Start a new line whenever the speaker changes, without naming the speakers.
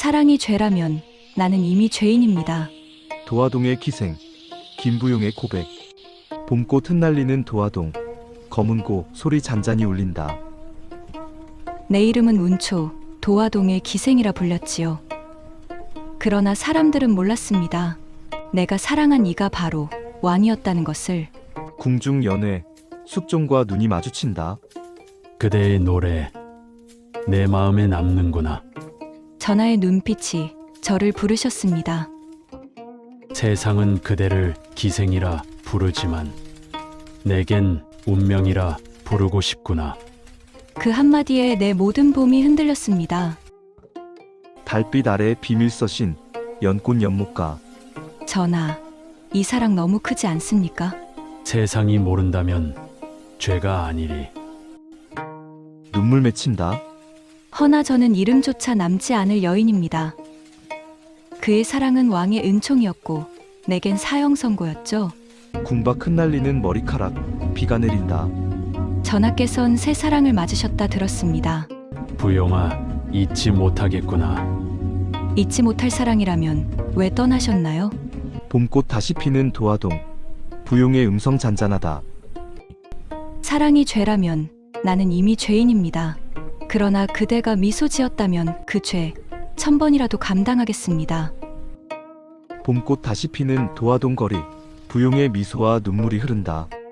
사랑이 죄라면 나는 이미 죄인입니다.
도화동의 기생, 김부용의 고백. 봄꽃 흩날리는 도화동, 검은고 소리 잔잔히 울린다.
내 이름은 운초, 도화동의 기생이라 불렸지요. 그러나 사람들은 몰랐습니다. 내가 사랑한 이가 바로 왕이었다는 것을.
궁중 연회, 숙종과 눈이 마주친다.
그대의 노래 내 마음에 남는구나.
전하의 눈빛이 저를 부르셨습니다.
세상은 그대를 기생이라 부르지만 내겐 운명이라 부르고 싶구나.
그 한마디에 내 모든 봄이 흔들렸습니다.
달빛 아래 비밀 서신 연꽃 연못가.
전하, 이 사랑 너무 크지 않습니까?
세상이 모른다면 죄가 아니리.
눈물 맺힌다.
허나 저는 이름조차 남지 않을 여인입니다. 그의 사랑은 왕의 은총이었고 내겐 사형 선고였죠.
궁박 흩날리는 머리카락, 비가 내린다.
전하께선 새 사랑을 맞으셨다 들었습니다.
부용아, 잊지 못하겠구나.
잊지 못할 사랑이라면 왜 떠나셨나요?
봄꽃 다시 피는 도화동, 부용의 음성 잔잔하다.
사랑이 죄라면 나는 이미 죄인입니다. 그러나 그대가 미소 지었다면 그 죄 1000번이라도 감당하겠습니다.
봄꽃 다시 피는 도화동 거리, 부용의 미소와 눈물이 흐른다.